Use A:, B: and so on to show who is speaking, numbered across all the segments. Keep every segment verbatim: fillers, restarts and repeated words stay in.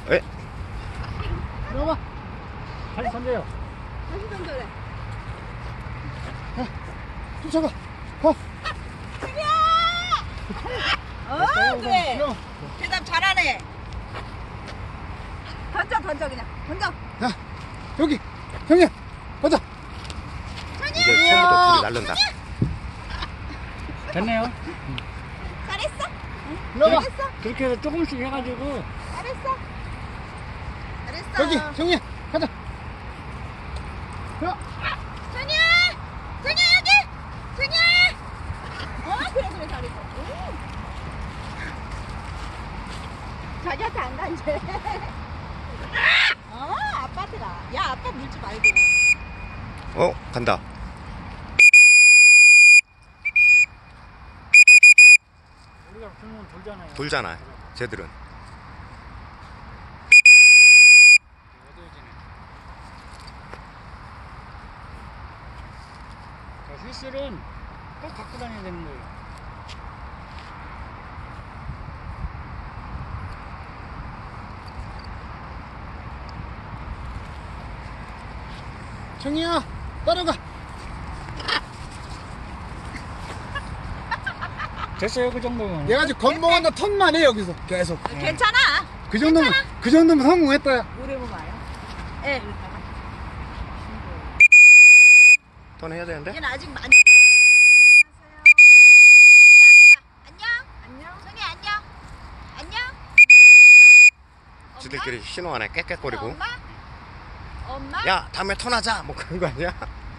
A: 에?
B: 들어봐. 다시 던져요.
C: 다시 던져래.
B: 쫓아가. 가.
C: 어, 그래. 대답 잘하네. 던져, 던져, 그냥. 던져.
B: 야, 여기. 형이야. 가자.
A: 이제 처음부터 둘이 날른다.
B: 됐네요.
C: 잘했어.
B: 들어가.
C: 잘했어.
B: 그렇게 해서 조금씩 해가지고.
C: 잘했어. 잘했어.
B: 여기. 형이야. 가자. 야.
C: 전이야! 전이야, 여기! 전이야! 어, 그래, 그래, 잘했어. 오. 자기한테 안 가, 이제. 어, 아빠한테 가. 야, 아빠 물지 말고.
A: 어? 간다.
B: 우리가 불면 돌잖아요.
A: 돌잖아 쟤들은.
B: 자, 휘슬은 꼭 갖고 다녀야 되는 거예요. 정이야, 따라가. 됐어요, 그 정도면. 내가 지금 겁먹었나 턴만 해 여기서 계속.
C: 괜찮아.
B: 그 정도면 그 정도면 성공했다.
C: 오래 보마요. 예.
A: 턴 해야 되는데?
C: 얘는 아직 많이. 안녕 해봐. 안녕. 안녕. son이 안녕. 안녕. 엄마.
A: 지들끼리 신호하네 꽥꽥거리고.
C: 엄마. 엄마.
A: 야 다음에 턴하자 뭐 그런 거 아니야?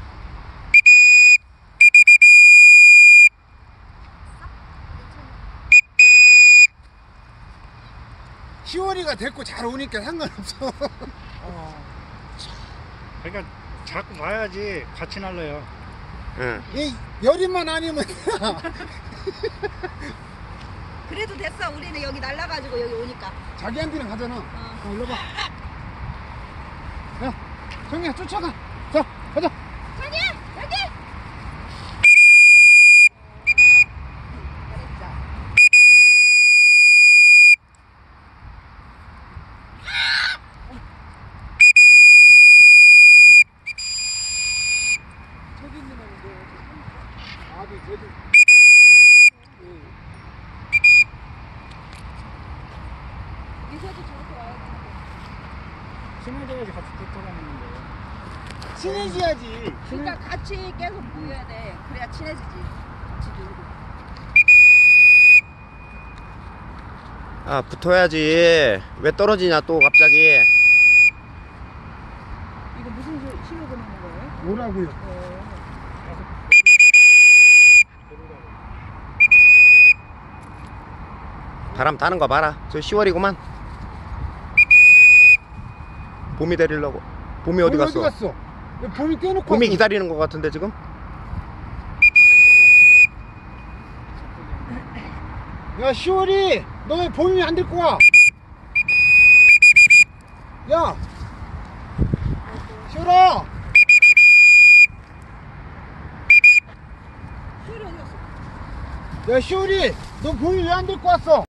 B: 시월이가 됐고 잘 오니까 상관없어.
C: 어.
B: 그러니까 자꾸 봐야지 같이 날려요.
A: 응.
B: 이 열이만 아니면
C: 그래도 됐어. 우리는 여기 날라가지고 여기 오니까.
B: 자기한테는 가잖아.
C: 어.
B: 어, 일로 봐. 야, 정이야 쫓아가. 자, 가자.
C: 전이야 여기. 잘했어.
B: 저기 있는 애인데 아비 저기.
C: 미소도 저렇게 와야 되는데.
B: 친해져야지 같이 붙어가는 거예요. 친해져야지.
C: 그러니까 같이 계속 모여야 돼. 그래야 친해지지. 같이 놀고.
A: 아 붙어야지. 왜 떨어지냐 또 갑자기.
C: 이거 무슨 시- 신호 보내는 거예요?
B: 뭐라고요?
C: 어.
A: 바람 타는 거 봐라. 저 시월이구만. 봄이 데리려고. 봄이 어디 갔어?
B: 어디 갔어? 왜 봄이 떼놓고
A: 봄이
B: 왔어?
A: 기다리는 거 같은데 지금?
B: 야 시월이 너 왜 봄이 안 데리고 와? 야 시월아.
C: 시월이 어디 갔어?
B: 야 시월이 너 봄이 왜 안 데리고 왔어?